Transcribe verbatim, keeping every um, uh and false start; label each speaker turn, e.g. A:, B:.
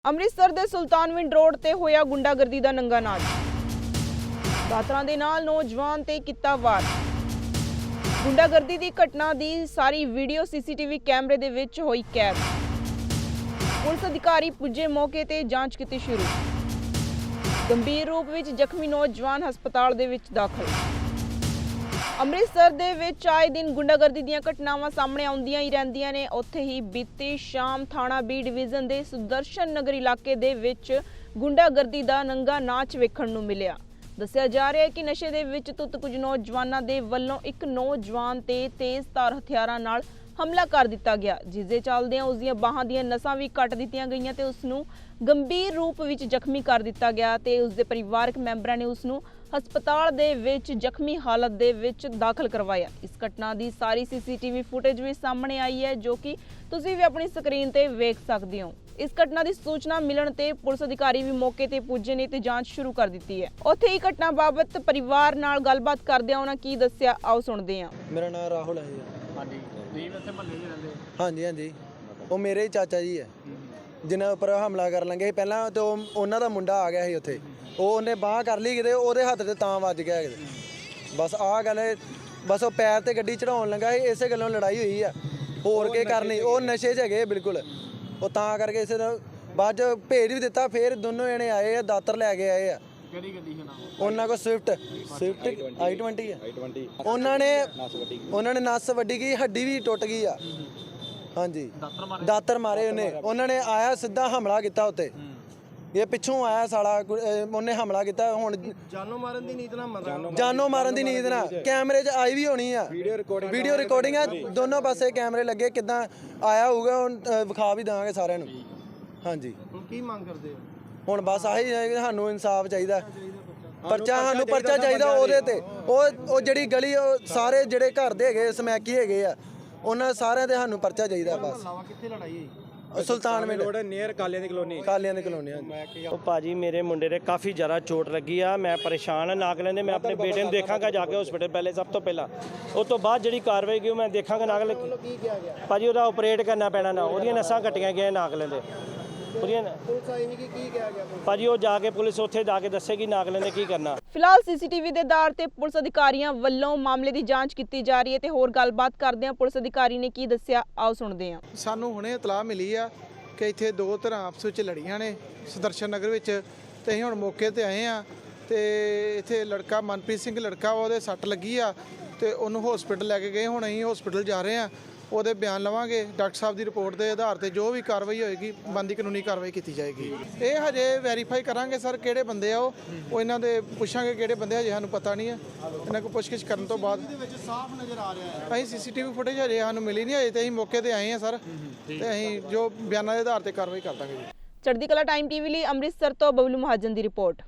A: ਅੰਮ੍ਰਿਤਸਰ ਦੇ ਸੁਲਤਾਨਵਿੰਡ ਰੋਡ ਤੇ ਹੋਇਆ ਗੁੰਡਾਗਰਦੀ ਦਾ ਨੰਗਾ ਨਾਚ। ਦਾਤਰਾਂ ਦੇ ਨਾਲ ਨੌਜਵਾਨ ਤੇ ਕੀਤਾ ਵਾਰ। ਗੁੰਡਾਗਰਦੀ ਦੀ ਘਟਨਾ ਦੀ ਸਾਰੀ ਵੀਡੀਓ ਸੀਸੀਟੀਵੀ ਕੈਮਰੇ ਦੇ ਵਿੱਚ ਹੋਈ ਕੈਦ। ਪੁਲਿਸ ਅਧਿਕਾਰੀ ਪੁੱਜੇ ਮੌਕੇ ਤੇ ਜਾਂਚ ਕੀਤੀ ਸ਼ੁਰੂ। ਗੰਭੀਰ ਰੂਪ ਵਿੱਚ ਜ਼ਖਮੀ ਨੌਜਵਾਨ ਹਸਪਤਾਲ ਦੇ ਵਿੱਚ ਦਾਖਲ। ਅੰਮ੍ਰਿਤਸਰ ਦੇ ਵਿੱਚ ਆਏ ਦਿਨ ਗੁੰਡਾਗਰਦੀ ਦੀਆਂ ਘਟਨਾਵਾਂ ਸਾਹਮਣੇ ਆਉਂਦੀਆਂ ਹੀ ਰਹਿੰਦੀਆਂ ਨੇ। ਉੱਥੇ ਹੀ ਬੀਤੀ ਸ਼ਾਮ ਥਾਣਾ ਬੀ ਡਿਵੀਜ਼ਨ ਦੇ ਸੁਦਰਸ਼ਨ ਨਗਰ ਇਲਾਕੇ ਦੇ ਵਿੱਚ ਗੁੰਡਾਗਰਦੀ ਦਾ ਨੰਗਾ ਨਾਚ ਵੇਖਣ ਨੂੰ ਮਿਲਿਆ। ਦੱਸਿਆ ਜਾ ਰਿਹਾ ਹੈ ਕਿ ਨਸ਼ੇ ਦੇ ਵਿੱਚ ਧੁੱਤ ਕੁਝ ਨੌਜਵਾਨਾਂ ਦੇ ਵੱਲੋਂ ਇੱਕ ਨੌਜਵਾਨ ਤੇ ਤੇਜ਼ਧਾਰ ਹਥਿਆਰਾਂ ਨਾਲ ਹਮਲਾ ਕਰ ਦਿੱਤਾ ਗਿਆ, ਜਿਸ ਦੇ ਚੱਲਦਿਆਂ ਉਸ ਦੀਆਂ ਬਾਹਾਂ ਦੀਆਂ ਨਸਾਂ ਵੀ ਕੱਟ ਦਿੱਤੀਆਂ ਗਈਆਂ ਤੇ ਉਸ ਨੂੰ ਗੰਭੀਰ ਰੂਪ ਵਿੱਚ ਜ਼ਖਮੀ ਕਰ ਦਿੱਤਾ ਗਿਆ ਤੇ ਉਸ ਦੇ ਪਰਿਵਾਰਕ ਮੈਂਬਰਾਂ ਨੇ ਉਸ ਨੂੰ ਹਸਪਤਾਲ ਦੇ ਵਿੱਚ ਜ਼ਖਮੀ ਹਾਲਤ ਦੇ ਵਿੱਚ ਦਾਖਲ ਕਰਵਾਇਆ। ਇਸ ਘਟਨਾ ਦੀ ਸਾਰੀ ਸੀਸੀਟੀਵੀ ਫੁਟੇਜ ਵੀ ਸਾਹਮਣੇ ਆਈ ਹੈ, ਜੋ ਕਿ ਤੁਸੀਂ ਵੀ ਆਪਣੀ ਸਕਰੀਨ ਤੇ ਵੇਖ ਸਕਦੇ ਹੋ। ਇਸ ਘਟਨਾ ਦੀ ਸੂਚਨਾ ਮਿਲਣ ਤੇ ਪੁਲਿਸ ਅਧਿਕਾਰੀ ਵੀ ਮੌਕੇ ਤੇ ਪੁੱਜੇ ਨੇ ਤੇ ਜਾਂਚ ਸ਼ੁਰੂ ਕਰ ਦਿੱਤੀ ਹੈ। ਉੱਥੇ ਹੀ ਘਟਨਾ ਬਾਬਤ ਪਰਿਵਾਰ ਨਾਲ ਗੱਲਬਾਤ ਕਰਦਿਆਂ ਉਹਨਾਂ ਕੀ ਦੱਸਿਆ, ਆਓ ਸੁਣਦੇ ਹਾਂ।
B: ਮੇਰਾ ਨਾਮ ਰਾਹੁਲ ਹੈ ਜੀ।
C: ਹਾਂਜੀ ਤੁਸੀਂ ਇੱਥੇ ਮਹੱਲੇ 'ਚ ਰਹਿੰਦੇ?
B: ਹਾਂਜੀ ਹਾਂਜੀ, ਉਹ ਮੇਰੇ ਹੀ ਚਾਚਾ ਜੀ ਹੈ ਜਿਨ੍ਹਾਂ ਉੱਪਰ ਹਮਲਾ ਕਰਨ ਲੱਗੇ ਸੀ ਪਹਿਲਾਂ, ਤੇ ਉਹ ਉਹਨਾਂ ਦਾ ਮੁੰਡਾ ਆ ਗਿਆ ਸੀ ਉੱਥੇ। ਉਹ ਉਹਨੇ ਬਾਂਹ ਕਰ ਲਈ ਕਿਤੇ, ਉਹਦੇ ਹੱਥ ਤੇ ਤਾਂ ਵੱਜ ਗਿਆ ਕਿਤੇ। ਬਸ ਆਹ ਗੱਲ, ਬਸ ਉਹ ਪੈਰ ਤੇ ਗੱਡੀ ਚੜਾਉਣ ਲੱਗਾ ਸੀ, ਇਸੇ ਗੱਲੋਂ ਲੜਾਈ ਹੋਈ ਆ। ਹੋਰ ਕੀ ਕਰਨੀ, ਉਹ ਨਸ਼ੇ 'ਚ ਹੈਗੇ ਬਿਲਕੁਲ। ਉਹ ਤਾਂ ਕਰਕੇ ਇਸੇ ਦਾ ਬਾਅਦ 'ਚ ਭੇਜ ਵੀ ਦਿੱਤਾ। ਫਿਰ ਦੋਨੋਂ ਜਣੇ ਆਏ ਆ, ਦਾਤਰ ਲੈ ਕੇ ਆਏ ਆ।
C: ਕਿਹੜੀ ਗੱਡੀ ਹੈ ਨਾਮ?
B: ਉਹਨਾਂ ਕੋਲ ਸਵਿਫਟ ਸਵਿਫਟ ਆਈ ਟਵੰਟੀ ਹੈ। ਉਹਨਾਂ ਨੇ ਉਹਨਾਂ ਨੇ ਨਸ ਵੱਡੀ ਗਈ, ਹੱਡੀ ਵੀ ਟੁੱਟ ਗਈ ਆ। ਹਾਂਜੀ, ਦਾਤਰ ਮਾਰੇ ਉਹਨੇ। ਉਹਨਾਂ ਨੇ ਆਇਆ ਸਿੱਧਾ ਹਮਲਾ ਕੀਤਾ ਉੱਤੇ। ਇਹ ਪਿੱਛੋਂ ਆਇਆ ਸਾਲਾ, ਉਹਨੇ ਹਮਲਾ ਕੀਤਾ। ਹੁਣ
C: ਜਾਨੋਂ ਮਾਰਨ ਦੀ ਨੀਤ ਨਾਲ ਮਰਨਾ,
B: ਜਾਨੋਂ ਮਾਰਨ ਦੀ ਨੀਤ ਨਾਲ। ਕੈਮਰੇ 'ਚ ਆਈ ਵੀ ਹੋਣੀ ਆ, ਵੀਡੀਓ ਰਿਕਾਰਡਿੰਗ ਆ, ਦੋਨੋਂ ਪਾਸੇ ਕੈਮਰੇ ਲੱਗੇ। ਕਿੱਦਾਂ ਆਇਆ ਹੋਊਗਾ ਹੁਣ ਵਿਖਾ ਵੀ ਦੇਵਾਂਗੇ ਸਾਰਿਆਂ ਨੂੰ। ਹਾਂਜੀ,
C: ਹੁਣ ਕੀ ਮੰਗ ਕਰਦੇ ਹੋ?
B: ਹੁਣ ਬਸ ਆਹੀ ਹੈ ਕਿ ਸਾਨੂੰ ਇਨਸਾਫ ਚਾਹੀਦਾ। ਪਰਚਾ, ਸਾਨੂੰ ਪਰਚਾ ਚਾਹੀਦਾ ਉਹਦੇ ਤੇ। ਉਹ ਉਹ ਜਿਹੜੀ ਗਲੀ, ਉਹ ਸਾਰੇ ਜਿਹੜੇ ਘਰ ਦੇ ਹੈਗੇ ਸਮੈਕੀ ਹੈਗੇ ਆ, ਉਹਨਾਂ ਸਾਰਿਆਂ ਤੇ ਸਾਨੂੰ ਪਰਚਾ ਚਾਹੀਦਾ ਬਸ।
C: ਕਿੱਥੇ ਲੜਾਈ ਹੋਈ?
B: ਸੁਲਤਾਨਵਿੰਡ
D: ਰੋਡ ਨੀਅਰ ਕਾਲਿਆਂ ਦੀ ਕਲੋਨੀ।
B: ਕਾਲਿਆਂ ਦੀ ਕਲੋਨੀ।
D: ਉਹ ਭਾਜੀ ਮੇਰੇ ਮੁੰਡੇ ਦੇ ਕਾਫੀ ਜ਼ਿਆਦਾ ਚੋਟ ਲੱਗੀ ਆ। ਮੈਂ ਪਰੇਸ਼ਾਨ ਆ ਨਾਗਲੇ ਦੇ। ਮੈਂ ਆਪਣੇ ਬੇਟੇ ਨੂੰ ਦੇਖਾਂਗਾ ਜਾ ਕੇ ਹਸਪੀਟਲ ਪਹਿਲੇ, ਸਭ ਤੋਂ ਪਹਿਲਾਂ। ਉਸ ਤੋਂ ਬਾਅਦ ਜਿਹੜੀ ਕਾਰਵਾਈ ਕੀ ਮੈਂ ਦੇਖਾਂਗਾ। ਨਾਗਲੇ
C: ਕੀ ਕਿਹਾ ਗਿਆ?
D: ਭਾਜੀ ਉਹਦਾ ਆਪਰੇਟ ਕਰਨਾ ਪੈਣਾ ਨਾ, ਉਹਦੀਆਂ ਨਸਾਂ ਕੱਟੀਆਂ ਗਈਆਂ ਨਾਗਲੇ ਦੇ। ਉਹਦੀਆਂ
C: ਪੁਲਿਸ ਆਈ ਨਹੀਂ ਕਿ ਕੀ ਕਿਹਾ ਗਿਆ?
D: ਭਾਜੀ ਉਹ ਜਾ ਕੇ ਪੁਲਿਸ ਉੱਥੇ ਜਾ ਕੇ ਦੱਸੇਗੀ ਨਾਗਲੇ ਨੇ ਕੀ ਕਰਨਾ।
A: ਫਿਲਹਾਲ ਸੀਸੀਟੀਵੀ ਦੇ ਆਧਾਰ ਤੇ ਪੁਲਿਸ ਅਧਿਕਾਰੀਆਂ ਵੱਲੋਂ ਮਾਮਲੇ ਦੀ ਜਾਂਚ ਕੀਤੀ ਜਾ ਰਹੀ ਹੈ ਤੇ ਹੋਰ ਗੱਲਬਾਤ ਕਰਦੇ ਹਾਂ ਪੁਲਿਸ ਅਧਿਕਾਰੀ ਨੇ ਕੀ ਦੱਸਿਆ, ਆਓ ਸੁਣਦੇ ਹਾਂ।
E: ਸਾਨੂੰ ਹੁਣੇ ਇਤਲਾਹ ਮਿਲੀ ਆ ਕਿ ਇੱਥੇ ਦੋ ਧਿਰਾਂ ਆਪਸ ਵਿੱਚ ਲੜੀਆਂ ਨੇ ਸੁਦਰਸ਼ਨ ਨਗਰ ਵਿੱਚ, ਤੇ ਅਸੀਂ ਹੁਣ ਮੌਕੇ ਤੇ ਆਏ ਆ। ਤੇ ਇੱਥੇ ਲੜਕਾ ਮਨਪ੍ਰੀਤ ਸਿੰਘ ਲੜਕਾ ਵਾ, ਉਹਦੇ ਸੱਟ ਲੱਗੀ ਆ ਤੇ ਉਹਨੂੰ ਹਸਪੀਟਲ ਲੈ ਕੇ ਗਏ। ਹੁਣ ਅਸੀਂ ਹਸਪੀਟਲ ਜਾ ਰਹੇ ਆ, ਉਹਦੇ ਬਿਆਨ ਲਵਾਂਗੇ। ਡਾਕਟਰ ਸਾਹਿਬ ਦੀ ਰਿਪੋਰਟ ਦੇ ਆਧਾਰ ਤੇ ਜੋ ਵੀ ਕਾਰਵਾਈ ਹੋਏਗੀ, ਬਣਦੀ ਕਾਨੂੰਨੀ ਕਾਰਵਾਈ ਕੀਤੀ ਜਾਏਗੀ। ਇਹ ਹਜੇ ਵੈਰੀਫਾਈ ਕਰਾਂਗੇ ਸਰ ਕਿਹੜੇ ਬੰਦੇ ਆ ਉਹ ਉਹ ਇਹਨਾਂ ਦੇ ਪੁੱਛਾਂਗੇ ਕਿਹੜੇ ਬੰਦੇ, ਹਜੇ ਸਾਨੂੰ ਪਤਾ ਨਹੀਂ ਆ। ਇਹਨਾਂ ਕੋਲ ਪੁੱਛਗਿੱਛ ਕਰਨ ਤੋਂ ਬਾਅਦ
C: ਵਿੱਚ ਸਾਫ਼ ਨਜ਼ਰ ਆ ਰਿਹਾ ਹੈ।
E: ਅਸੀਂ ਸੀਸੀਟੀਵੀ ਫੁਟੇਜ ਹਜੇ ਸਾਨੂੰ ਮਿਲੀ ਨਹੀਂ, ਹਜੇ ਤੇ ਅਸੀਂ ਮੌਕੇ ਤੇ ਆਏ ਆ ਸਰ, ਤੇ ਅਸੀਂ ਜੋ ਬਿਆਨਾਂ ਦੇ ਆਧਾਰ ਤੇ ਕਾਰਵਾਈ ਕਰ ਦਾਂਗੇ ਜੀ।
A: ਚੜ੍ਹਦੀ ਕਲਾ ਟਾਈਮ ਟੀਵੀ ਲਈ ਅੰਮ੍ਰਿਤਸਰ ਤੋਂ ਬਬਲੂ ਮਹਾਜਨ ਦੀ ਰਿਪੋਰਟ।